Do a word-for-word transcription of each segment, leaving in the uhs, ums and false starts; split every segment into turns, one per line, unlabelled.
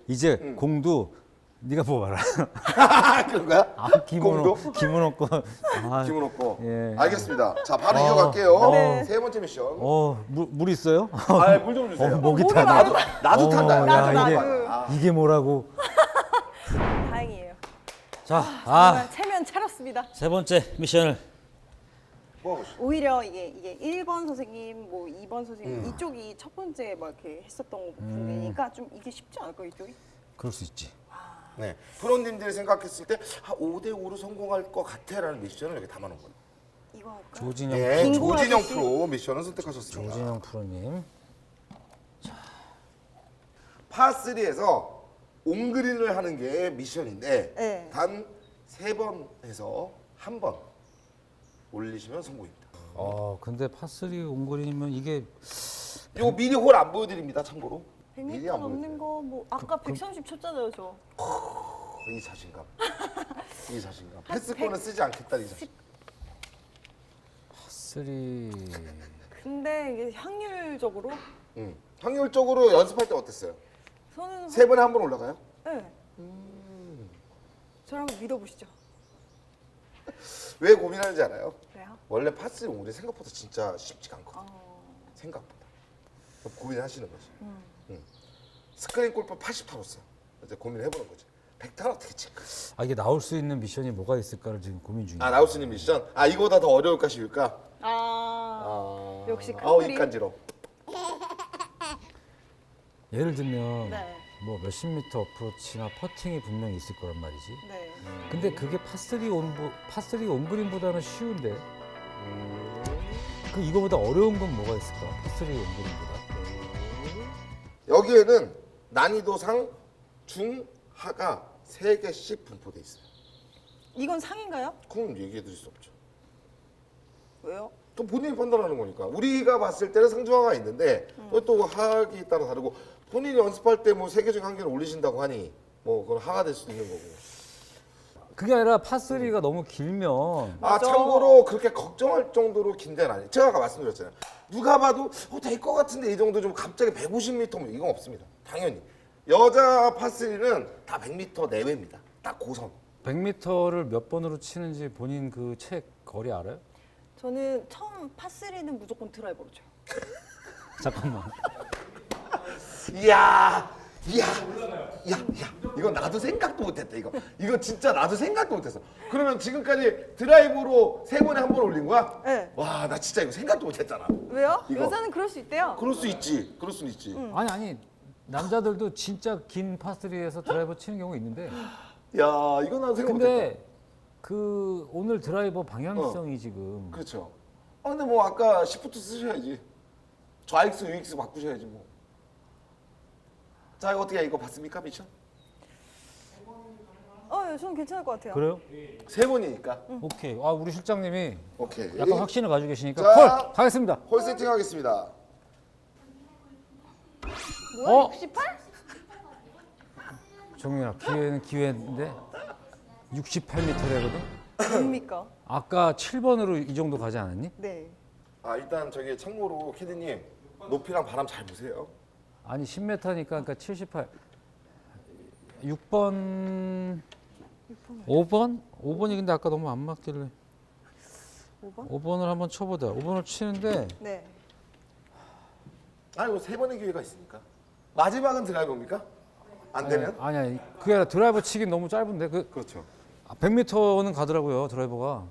이제
음.
공도 네가 뽑아라.
그런 거야?
아, 김은호,
공도?
김은호 거. 아,
기분 없고.
예.
알겠습니다. 자, 바로
어,
이어갈게요.
네.
세 번째 미션.
어, 물, 물 있어요?
아, 물 좀 주세요.
어, 목이
목이
타네.
나도 나도
어,
탄다.
야,
나도,
이게,
나도.
이게 뭐라고?
다행이에요.
자, 아,
정말 체면 차렸습니다.
세 번째 미션을.
뭐 하고 싶어?
오히려 이게 이게 일 번 선생님, 뭐 이 번 선생님
음.
이쪽이 첫 번째 막 이렇게 했었던 부분이니까 좀 이게 쉽지 않을까 이쪽이?
그럴 수 있지.
네. 프로님들이 생각했을 때 아, 오 대 오로 성공할 것 같아라는 미션을 여기 담아놓은 거예요.
이거 할까?
조진영,
네,
빙고
조진영
아저씨.
프로 미션을 선택하셨습니다.
조진영 프로님.
파삼에서 온그린을 하는 게 미션인데
네.
단 세 번 해서 한 번 올리시면 성공입니다.
어, 근데 파쓰리 옹골이면 이게
이거 미리 홀 안 보여드립니다. 참고로.
백
미리
미터
안
넘는
보여드려요.
거 뭐 아까 백삼십 쳤잖아요 저.
이 자신감. 이 자신감. 패스권을 쓰지 않겠다는 이 자신감.
파쓰리.
근데 이게 확률적으로
음. 확률적으로 연습할 때 어땠어요?
저는
세 번에 한 번 올라가요?
네. 저를 한번 믿어보시죠.
왜 고민하는지 알아요?
그래요?
원래 파스 오리 생각보다 진짜 쉽지가 않거든.
어.
생각보다. 고민하시는 거지.
음.
응. 스크린 골프 팔십 타로어요. 이제 고민해보는 거지. 백 타로 어떻게 칠까?
아, 이게 나올 수 있는 미션이 뭐가 있을까를 지금 고민 중이에요.
아, 나올 수 있는 미션? 아, 이거보다 더 어려울까 쉬울까?
아,
아,
역시 큰
아우,
그림.
입 간지러.
예를 들면
네.
뭐 몇십 미터 어프로치나 퍼팅이 분명히 있을 거란 말이지.
네.
근데 그게 파쓰리 온 파쓰리 온그린보다는 쉬운데 그 이거보다 어려운 건 뭐가 있을까? 파쓰리 온그린보다.
여기에는 난이도상 중, 하가 세 개씩 분포돼 있어요.
이건 상인가요?
그건 얘기해 드릴 수 없죠.
왜요?
또 본인이 판단하는 거니까. 우리가 봤을 때는 상중하가 있는데
음.
또 하기 따라 다르고 본인이 연습할 때 뭐 세 개 중에 한 개를 올리신다고 하니 뭐 그건 하가 될 수도 있는 거고.
그게 아니라 파쓰리가 너무 길면
아,
맞아.
참고로 그렇게 걱정할 정도로 긴 데는 아니에요. 제가 아까 말씀드렸잖아요. 누가 봐도 어, 될 것 같은데 이 정도 좀 갑자기 백오십 미터 뭐 이건 없습니다. 당연히. 여자 파쓰리는 다 백 미터 내외입니다. 딱 고선.
백 미터를 몇 번으로 치는지 본인 그 책 거리 알아요?
저는 처음 파쓰리는 무조건 드라이버로 쳐요.
잠깐만.
이야, 이야, 야, 야, 이건 나도 생각도 못했다. 이거, 이거 진짜 나도 생각도 못했어. 그러면 지금까지 드라이브로 세 번에 한 번 올린 거야?
네.
와, 나 진짜 이거 생각도 못했잖아.
왜요?
이거.
여자는 그럴 수 있대요.
그럴 수 있지, 그럴 수 있지.
아니 아니 남자들도 진짜 긴 파쓰리에서 드라이버 치는 경우 있는데
야, 이거 나도 생각 못했다.
근데 그 오늘 드라이버 방향성이 지금
그렇죠. 아, 근데 뭐 아까 시프트 쓰셔야지. 좌익수, 우익수 바꾸셔야지 뭐. 자, 이거 어떻게 해? 이거 봤습니까, 미션?
어, 예, 저는 괜찮을 것 같아요.
그래요?
세 번이니까.
오케이. 아 우리 실장님이
오케이.
약간 확신을 가지고 계시니까
자.
콜 가겠습니다.
홀 세팅하겠습니다.
뭐야?
어?
육십팔?
정민아 기회는 기회인데 육십팔 미터래거든.
뭡니까?
아까 칠 번으로 이 정도 가지 않았니?
네.
아, 일단 저기 참고로 캐디님 높이랑 바람 잘 보세요.
아니 십 미터니까 그러니까 칠십팔. 육 번 오 번? 오 번이 근데 아까 너무 안 맞길래
오 번?
오 번을 한번 쳐보자. 오 번을 치는데
네.
아니, 뭐세 번의 기회가 있으니까. 마지막은 드라이버입니까? 안 되면?
아니 아니 그게 아니라 드라이버 치긴 너무 짧은데 그
그렇죠.
아, 백 미터는 가더라고요 드라이버가.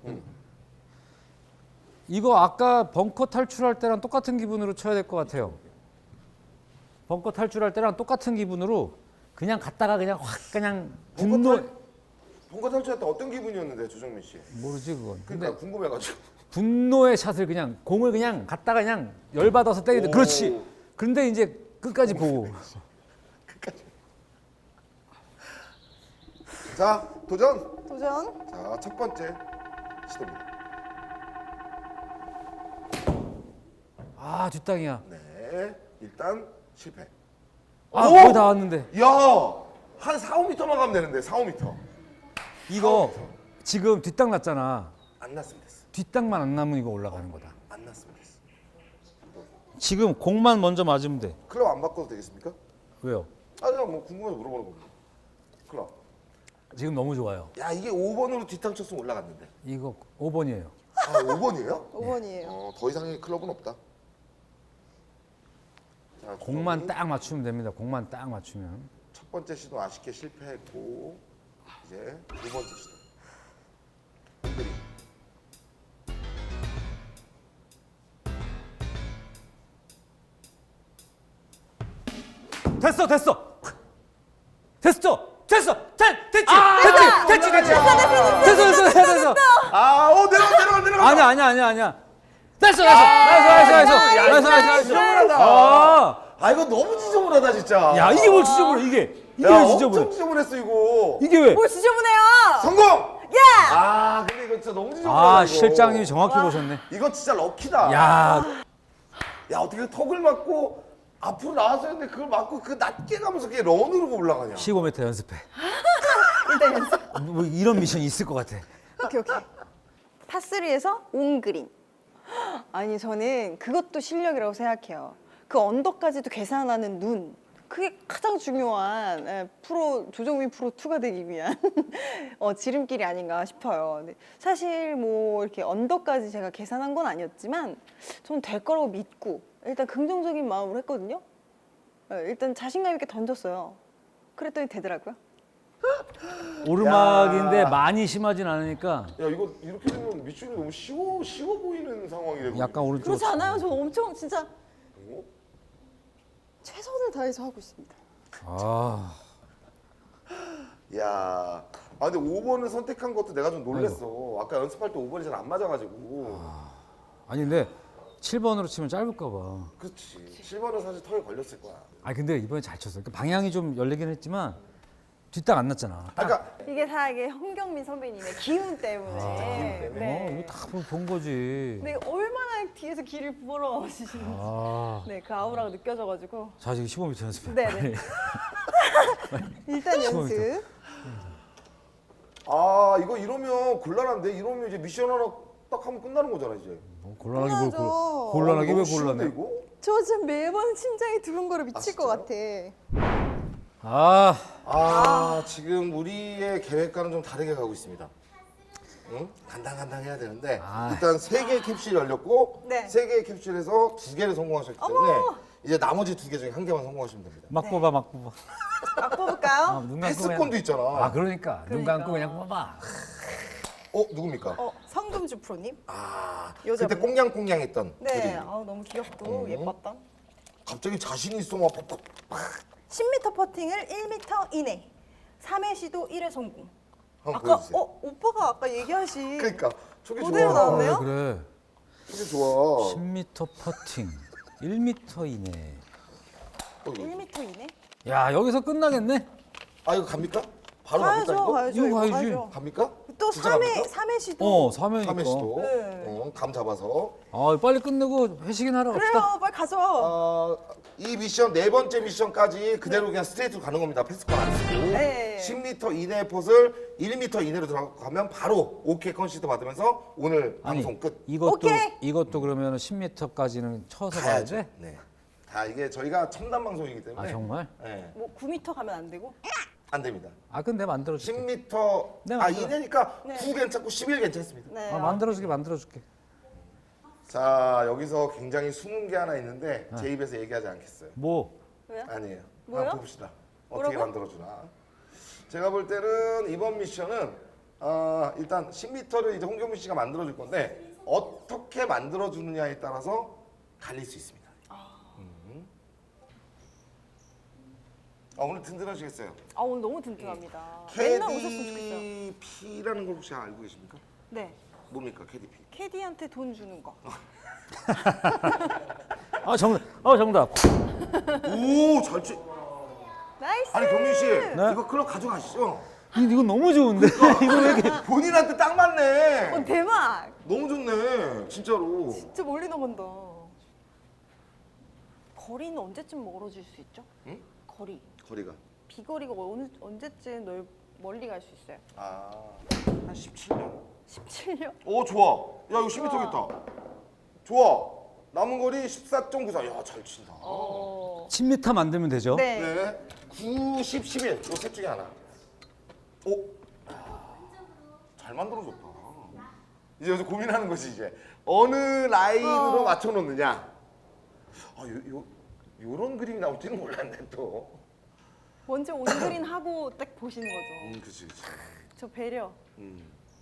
이거 아까 벙커 탈출할 때랑 똑같은 기분으로 쳐야 될 것 같아요. 벙커 탈출할 때랑 똑같은 기분으로 그냥 갔다가 그냥 확 그냥 분노
본거 탈출할 때 어떤 기분이었는데, 조정민 씨?
모르지 그건. 근데
그러니까 궁금해가지고.
분노의 샷을 그냥 공을 그냥 갔다가 그냥 열받아서 때리는데
오.
그렇지. 그런데 이제 끝까지 보고
자, 도전.
도전.
자, 첫 번째 시도입니다.
아 뒷땅이야.
네, 일단 실패.
아
오!
거의 다 왔는데
야, 한 사, 오 미터만 가면 되는데, 사, 오 미터.
이거 지금 뒷땅 났잖아.
안 났으면 됐어.
뒷땅만 안 나면 이거 올라가는 거다.
안 났으면 됐어.
지금 공만 먼저 맞으면 돼.
클럽 안 바꿔도 되겠습니까?
왜요?
아 그냥 뭐 궁금해서 물어보는 겁니다. 클럽.
지금 너무 좋아요.
야 이게 오 번으로 뒷땅 쳤으면 올라갔는데.
이거 오 번이에요.
아 오 번이에요?
오 번이에요.
어, 더 이상의 클럽은 없다. 자,
공만
주성이
딱 맞추면 됩니다. 공만 딱 맞추면.
첫 번째 시도 아쉽게 실패했고 이제 두 번째 시도. 그림.
됐어, 됐어. 됐어, 됐어, 됐, 됐지,
아,
됐지, 됐지, 됐지. 됐어, 됐어, 됐어, 됐어.
아, 어 내려가 내려가 내려가.
아니야, 아니야, 아니야, 아니야. 됐어, 됐어, 나이스, 나이스, 나이스, 나이스, 나이스, 나이스.
지저분하다.
아,
아 이거 너무 지저분하다 진짜.
야 이게 뭘 지저분해? 이게 이게
야,
왜
엄청
지저분해?
지저분했어 이거.
이게 왜?
뭘 지저분해요?
성공.
야!
아 근데 이거 진짜 너무 지저분하다.
아
이거.
실장님이 정확히 보셨네.
이건 진짜 럭키다.
야,
야 어떻게 턱을 맞고 앞으로 나왔어야 했는데 그걸 맞고 그 낮게 가면서 그게 런으로 올라가냐.
십오 미터 연습해.
일단 연습.
뭐 이런 미션이 있을 것 같아.
오케이 오케이. 파쓰리에서 온 그린. 아니 저는 그것도 실력이라고 생각해요. 그 언더까지도 계산하는 눈. 그게 가장 중요한 예, 프로 조정민 프로 투가 되기 위한 어, 지름길이 아닌가 싶어요. 근데 사실 뭐 이렇게 언더까지 제가 계산한 건 아니었지만 저는 될 거라고 믿고 일단 긍정적인 마음으로 했거든요. 예, 일단 자신감 있게 던졌어요. 그랬더니 되더라고요.
오르막인데
야.
많이 심하진 않으니까
야 이거 이렇게 되면 미션이 너무 쉬워 쉬워 보이는 상황이 되고.
약간 오른쪽.
그렇지 않아요? 저 엄청 진짜
어?
최선을 다해서 하고 있습니다.
아,
야. 아 근데 오 번을 선택한 것도 내가 좀 놀랬어. 아까 연습할 때 오 번이 잘 안 맞아가지고.
아니 근데 칠 번으로 치면 짧을까 봐.
그렇지. 칠 번은 사실 턱에 걸렸을 거야.
아 근데 이번에 잘 쳤어. 그러니까 방향이 좀 열리긴 했지만 뒷땅 안 났잖아.
아, 그러니까
이게 다 이게 홍경민 선배님의 기운 때문에.
어, 이거 다 본 거지.
네, 얼마나 뒤에서 길을 부어러시는지.
아,
네, 그 아우라가 느껴져가지고.
자 지금 십오 미터 연습해.
네, 네. 일단
십오
연습.
아 이거 이러면 곤란한데 이러면 이제 미션 하나 딱 하면 끝나는 거잖아 이제.
뭐 곤란하게 뭘
곤란하죠.
곤- 곤란하게
아,
왜
너무 쉬운데,
곤란해?
이거?
저 지금 매번 심장이 두근거려 미칠
아,
것 같아.
아,
아 지금 우리의 계획과는 좀 다르게 가고 있습니다. 응? 간당간당 해야 되는데
아.
일단 세 개의 캡슐이 열렸고
네.
세 개의 캡슐에서 두 개를 성공하셨기 때문에 이제 나머지 두 개 중에 한 개만 성공하시면 됩니다.
막
네.
뽑아, 막 뽑아.
막 뽑을까요?
아, 눈 감고
패스권도
그냥.
있잖아.
아 그러니까 눈
그러니까.
감고 그냥 뽑아.
어 누굽니까?
어, 성금주 프로님.
아
여자분.
그때 꽁냥꽁냥했던
네,
그림.
아우 너무 귀엽고
음.
예뻤던.
갑자기 자신 있어 막 팍팍
십 미터 퍼팅을 일 미터 이내. 삼 회 시도 일 회 성공.
한번
아까
보여주세요.
어 오빠가 아까 얘기하신
그러니까 저게
그대로
좋아.
나왔네요?
아, 그래.
저게 좋아.
십 미터 퍼팅, 일 미터 이내.
어, 이거.
일 미터 이내?
야 여기서 끝나겠네.
아 이거 갑니까? 바로 갑니까
가야죠,
이거?
가야죠.
이거 가야지.
갑니까?
또
진짜
삼 회
갑니까?
삼 회 시도.
어, 삼 회니까.
삼 회 시도
네.
어, 감 잡아서
아 빨리 끝내고 회식이나 하러 갑시다.
그래요, 빨리 가죠.
어, 이 미션 네 번째 미션까지 그대로 그냥 스트레이트로 가는 겁니다. 패스권 안 쓰고
네.
십 미터 이내의 폿을 일 미터 이내로 들어가면 바로 오케이 컨시드 받으면서 오늘
아니
방송 끝.
이것도
오케이.
이것도 그러면 십 미터까지는 쳐서 가야
가야죠.
돼?
네. 다 이게 저희가 첨단 방송이기 때문에
아 정말?
네.
뭐 구 미터 가면 안 되고?
안 됩니다.
아 근데
십
만들어줄게.
미터
네,
아
맞아요.
이내니까
네.
구 괜찮고 십일 괜찮습니다.
네.
아 만들어줄게 만들어줄게.
자 여기서 굉장히 숨은 게 하나 있는데 제 입에서 얘기하지 않겠어요.
뭐?
왜요?
아니에요.
뭐요?
한번 봅시다. 어떻게
뭐라고요?
만들어주나. 제가 볼 때는 이번 미션은 어, 일단 십 미터를 이제 홍경민 씨가 만들어줄 건데 어떻게 만들어주느냐에 따라서 갈릴 수 있습니다. 음. 아, 오늘 든든하시겠어요.
아 오늘 너무 든든합니다. 맨날 오셨으면 좋겠어요.
케이디피라는 걸 혹시 알고 계십니까?
네.
뭡니까 케이디피?
캐디한테 돈 주는 거.
아 정답. 아 정답.
오, 잘 치.
나이스.
아니 경민 씨,
네?
이거 클럽 가져가시죠.
이- 이거 너무 좋은데? 이거 왜 이렇게?
본인한테 딱 맞네.
어, 대박.
너무 좋네, 진짜로.
진짜 멀리 나간다. 거리는 언제쯤 멀어질 수 있죠?
응?
거리.
거리가.
비거리가 어느, 언제쯤 넓, 멀리 갈 수 있어요?
아, 한 십칠 년.
십칠 년?
오, 좋아. 야, 이거 십 미터겠다. 좋아. 남은 거리 십사 점 구사. 야, 잘 친다.
어.
십 미터 만들면 되죠.
네.
네. 구십, 십일. 요 셋 중에 하나. 오. 야, 잘 만들어줬다. 이제 여기서 고민하는 거지 이제. 어느 라인으로
어.
맞춰 놓느냐. 아, 요, 요 요런 그림이 나올지는 몰랐네 또.
먼저 온그린 하고 딱 보시는 거죠.
음, 그렇지, 그렇지.
저 배려.
음.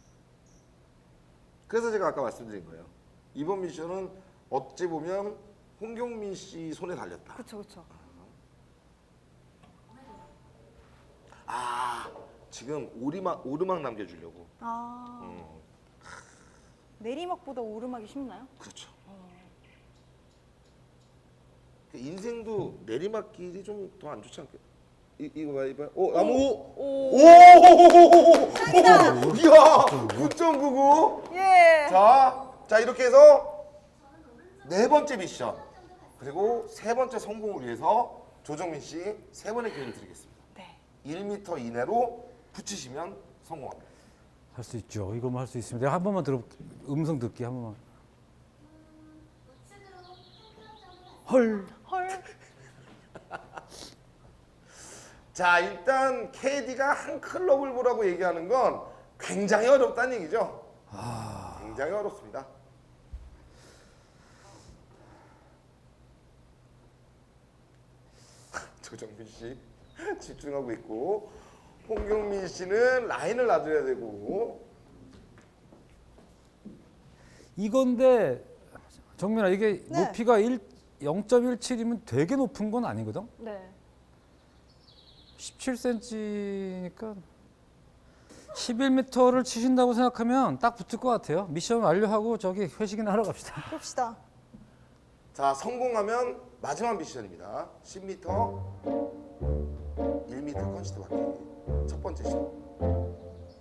그래서 제가 아까 말씀드린 거예요. 이번 미션은 어찌 보면 홍경민 씨 손에 달렸다.
그쵸 그쵸.
아, 지금 오리막 오르막 남겨주려고.
아
음,
내리막보다 오르막이 쉽나요?
그렇죠. 그 인생도 내리막길이 좀 더 안 좋지 않게? 이 이거 봐, 이거 봐. 오, 나무.
오.
오! 이야, 구 점 구구.
예.
자, 자 이렇게 해서 네 번째 미션 그리고 세 번째 성공을 위해서 조정민 씨 세 번의 기회를 드리겠습니다.
네.
일 미터 이내로 붙이시면 성공합니다.
할 수 있죠. 이거만 할 수 있습니다. 내가 한 번만 들어 음성 듣기 한 번만. 헐.
헐.
자, 일단 케이디가 한 클럽을 보라고 얘기하는 건 굉장히 어렵다는 얘기죠.
아.
굉장히 어렵습니다. 조정민 씨 집중하고 있고 홍경민 씨는 라인을 놔줘야 되고.
이건데 정민아 이게
네.
높이가 영 점 일칠이면 되게 높은 건 아니거든.
네.
십칠 센티미터니까 십일 미터를 치신다고 생각하면 딱 붙을 것 같아요. 미션 완료하고 저기 회식이나 하러 갑시다.
봅시다.
자, 성공하면 마지막 미션입니다. 십 미터, 일 미터 컨시드 받기. 첫 번째 시도.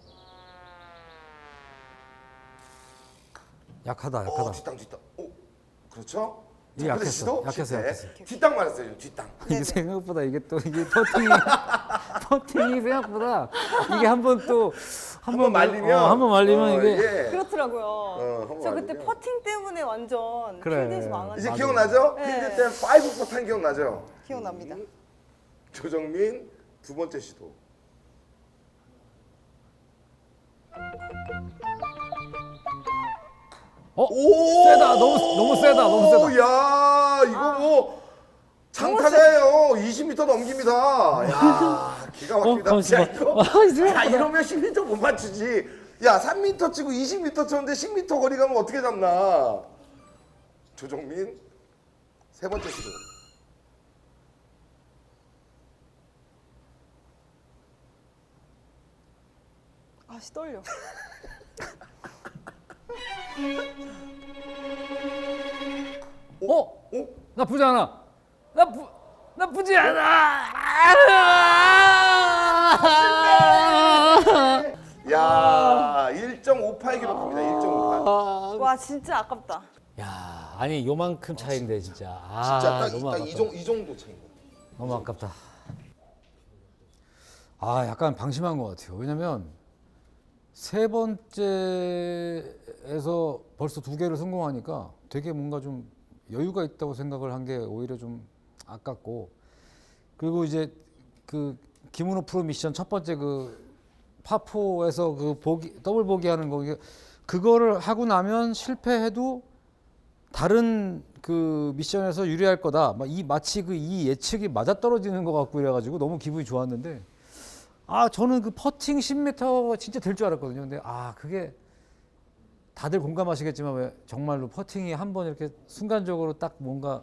약하다,
어,
약하다.
뒷땅 뒷땅. 오, 그렇죠?
이게
첫 번째
약했어,
시도
약했어,
실패.
약했어.
뒷땅 맞았어요. 뒷땅.
이게 생각보다 이게 또 이게 퍼팅이 퍼팅이 생각보다 이게 한번 또
한번 말리면
어, 한번 말리면
어,
이게
예.
그렇더라고요.
어, 한번
저 그때
말리면.
퍼팅 때문에 완전
그래.
필드에서 망한
이제
맞아.
기억나죠?
네.
필드 때 파이브 퍼탄 기억나죠?
기억납니다.
음. 조정민 두 번째 시도.
어?
오!
세다. 너무 너무 세다. 너무 세다.
야, 이거 뭐 장타자예요. 이십 미터 넘깁니다. 야, 기가 막힙니다.
어,
야,
잠시만.
이거,
아, 이제
야, 이러면 십 미터 못 맞추지. 야, 삼 미터 치고 이십 미터 쳤는데 십 미터 거리 가면 어떻게 잡나? 조정민 세 번째 시도.
아씨 떨려.
어?
어?
나쁘지 않아. 나쁘 나쁘지 않아.
야, 일 점 오팔 기록합니다. 일 점 오팔.
와 진짜 아깝다.
야, 아니 요만큼 차인데 진짜. 아,
진짜 딱,
너무
딱
아깝다.
이, 정도, 이 정도 차인 거.
너무 아깝다. 아, 약간 방심한 것 같아요. 왜냐면 세 번째에서 벌써 두 개를 성공하니까 되게 뭔가 좀 여유가 있다고 생각을 한 게 오히려 좀 아깝고, 그리고 이제 그 김은호 프로 미션 첫 번째 그 파포에서 그 보기 더블 보기 하는 거, 이게 그거를 하고 나면 실패해도 다른 그 미션에서 유리할 거다. 막 이 마치 그 이 예측이 맞아 떨어지는 것 같고 이래가지고 너무 기분이 좋았는데, 아 저는 그 퍼팅 십 미터 진짜 될 줄 알았거든요. 근데 아 그게 다들 공감하시겠지만 왜 정말로 퍼팅이 한 번 이렇게 순간적으로 딱 뭔가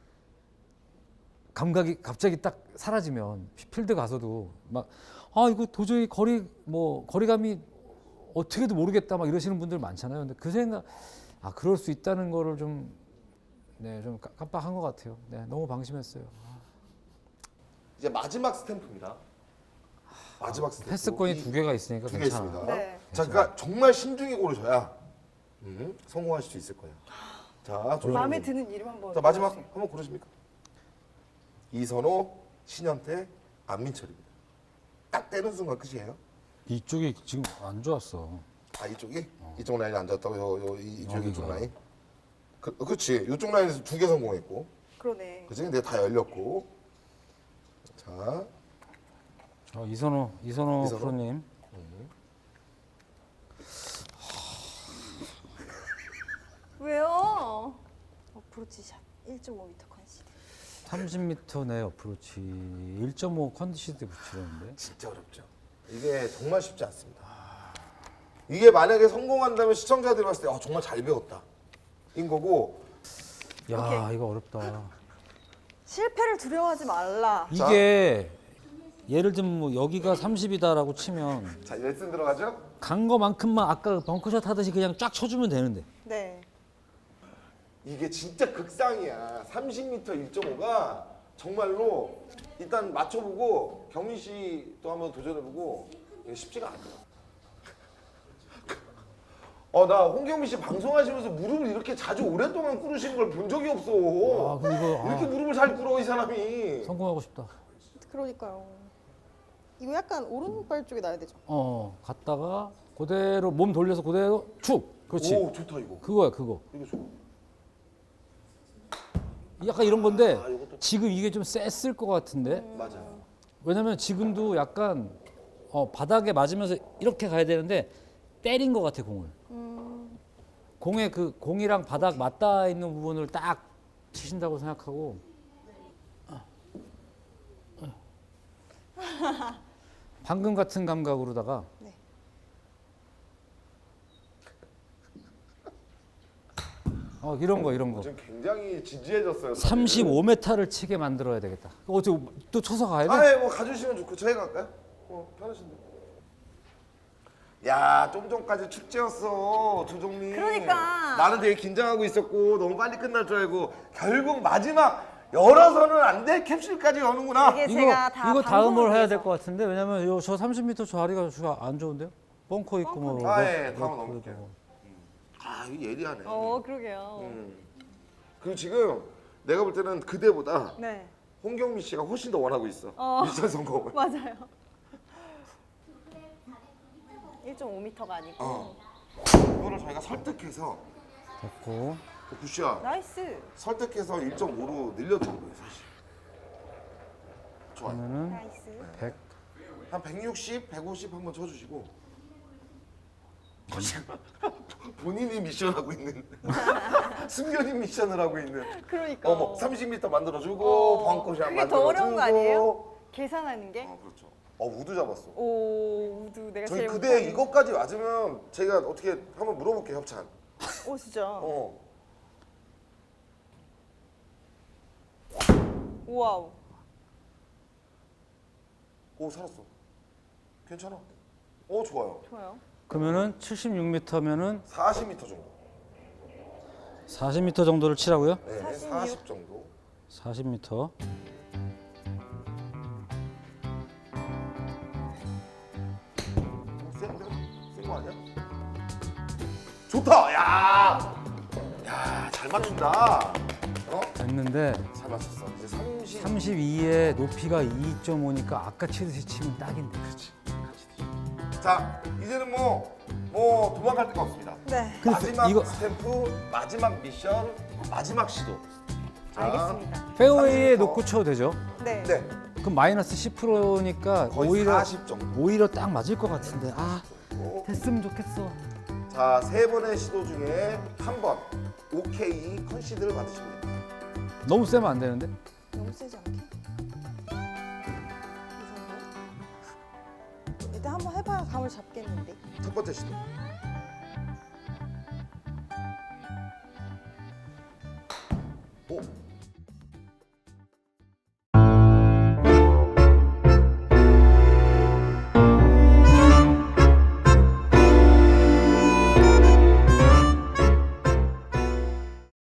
감각이 갑자기 딱 사라지면 필드 가서도 막 아 이거 도저히 거리 뭐 거리감이 어떻게도 모르겠다 막 이러시는 분들 많잖아요. 근데 그 생각 아 그럴 수 있다는 거를 좀 네 좀 깜빡한 것 같아요. 네 너무 방심했어요.
이제 마지막 스탬프입니다. 마지막 스탬프.
패스권이
이-
두 개가 있으니까
두 개
괜찮아.
있습니다.
네.
자, 그러니까 정말 신중히 고르셔야 음, 성공하실 수 있을 거예요. 자, 조정민.
마음에 드는 이름 한번.
자, 마지막
골라주세요.
한번 고르십니까? 이선호, 신현태, 안민철입니다. 딱 떼는 순간 끝이에요.
이쪽이 지금 안 좋았어.
아, 이쪽이? 이쪽 라인이 안 좋았다고? 요, 요, 이, 이쪽, 이쪽
여기가.
라인? 그, 그렇지. 이쪽 라인에서 두 개 성공했고.
그러네.
그치? 근데 다 열렸고. 자,
자, 이선호 이선호
이선호?
프로님.
왜요? 어프로치 샷 일 점 오 미터 컨시드.
삼십 미터 내 어프로치 일 점 오 컨디시드 붙이려는데.
진짜 어렵죠. 이게 정말 쉽지 않습니다. 이게 만약에 성공한다면 시청자들이 봤을 때 아, 정말 잘 배웠다. 인 거고.
야,
오케이.
이거 어렵다.
실패를 두려워하지 말라.
이게 예를 들면 뭐 여기가 삼십이다라고 치면
자, 레슨 들어가죠?
간 거만큼만 아까 벙커샷 하듯이 그냥 쫙 쳐주면 되는데.
네.
이게 진짜 극상이야. 삼십 미터 일 점 오가 정말로 일단 맞춰보고 경민 씨도 한번 도전해보고 이게 쉽지가 않아. 어, 나 홍경민 씨 방송하시면서 무릎을 이렇게 자주 오랫동안 꿇으시는 걸 본 적이 없어.
아, 근데 이거
이렇게
아,
무릎을 잘 꿇어 이 사람이.
성공하고 싶다.
그러니까요. 이거 약간 오른발 쪽에 놔야 되죠.
어, 갔다가 그대로 몸 돌려서 그대로 축. 그렇지.
오, 좋다 이거.
그거야, 그거.
이거 좋아.
약간 이런 건데
아, 이것도-
지금 이게 좀 셌을 것 같은데.
맞아.
왜냐면 지금도 약간 어, 바닥에 맞으면서 이렇게 가야 되는데 때린 것 같아 공을. 공에 그 공이랑 바닥 맞닿아 있는 부분을 딱 치신다고 생각하고. 방금 같은 감각으로다가
네.
어, 이런 거 이런 거.
지금 굉장히 진지해졌어요. 다들.
삼십오 미터를 치게 만들어야 되겠다. 어떻게 또 쳐서 가야 돼?
아, 예, 뭐 가주시면 좋고 저희가 갈까요? 어, 편하신데. 야, 좀 전까지 축제였어, 조정민.
그러니까.
나는 되게 긴장하고 있었고 너무 빨리 끝날 줄 알고 결국 마지막 열어서는 안 돼 캡슐까지 여는구나.
이게
이거
제가 다
이거 다음을
방송을
해야
위해서.
될 것 같은데 왜냐면 요, 저 삼십 미터 자리가 저 안 좋은데요? 벙커 있고 뭐.
아,
뭐,
예,
뭐,
다음은
그래도
넘길게요.
뭐.
아, 이게 예리하네.
어, 그러게요.
음. 그리고 지금 내가 볼 때는 그대보다
네.
홍경민 씨가 훨씬 더 원하고 있어.
어.
미션 성공을.
맞아요. 일 점 오 미터가 아니고.
어. 이거를 저희가 설득해서
됐고.
굿샷.
나이스.
설득해서 일 점 오로 늘려준 거예요, 사실. 좋아요.
그러면은
나이스.
백.
한 백육십, 백오십 한번 쳐주시고. 본인이 미션하고 있는 숨겨진 미션을 하고 있는.
그러니까.
어머, 삼십 미터 만들어주고
어,
벙커샷
그게
만들어주고.
더 어려운 거 아니에요? 계산하는 게?
어, 그렇죠. 어, 우드 잡았어.
오, 우드 내가
저희
제일
그대
못하는.
이것까지 맞으면 제가 어떻게 한번 물어볼게요, 협찬.
오, 진짜.
어.
우와우.
오, 살았어. 괜찮아. 오, 좋아요.
좋아요.
그러면은 칠십육 미터면은
사십 미터 정도.
사십 미터 정도를 치라고요?
네,
사십육.
사십 정도.
사십 미터.
센데? 센거 아니야? 좋다. 야, 야, 잘 맞춘다. 어?
됐는데
잘 맞췄어. 이제 삼십.
삼십이에 높이가 이 점 오니까 아까 치듯이 치면 딱인데.
그렇지. 자, 이제는 뭐, 뭐 도망갈 데가 없습니다.
네.
근데
마지막
이거-
스탬프, 마지막 미션, 마지막 시도. 자,
알겠습니다.
페어웨이에
삼십 미터.
놓고 쳐도 되죠?
네.
네,
그럼 마이너스 십 퍼센트니까
거의
오히려
사십 정도.
오히려 딱 맞을 것 같은데. 아,
어?
됐으면 좋겠어.
자, 세 번의 시도 중에 한 번 오케이 컨시드를 받으시고 됩니다.
너무 세면 안 되는데.
너무 세지 않게? 이 정도? 일단 한번 해봐야 감을 잡겠는데.
첫 번째 시도. 오,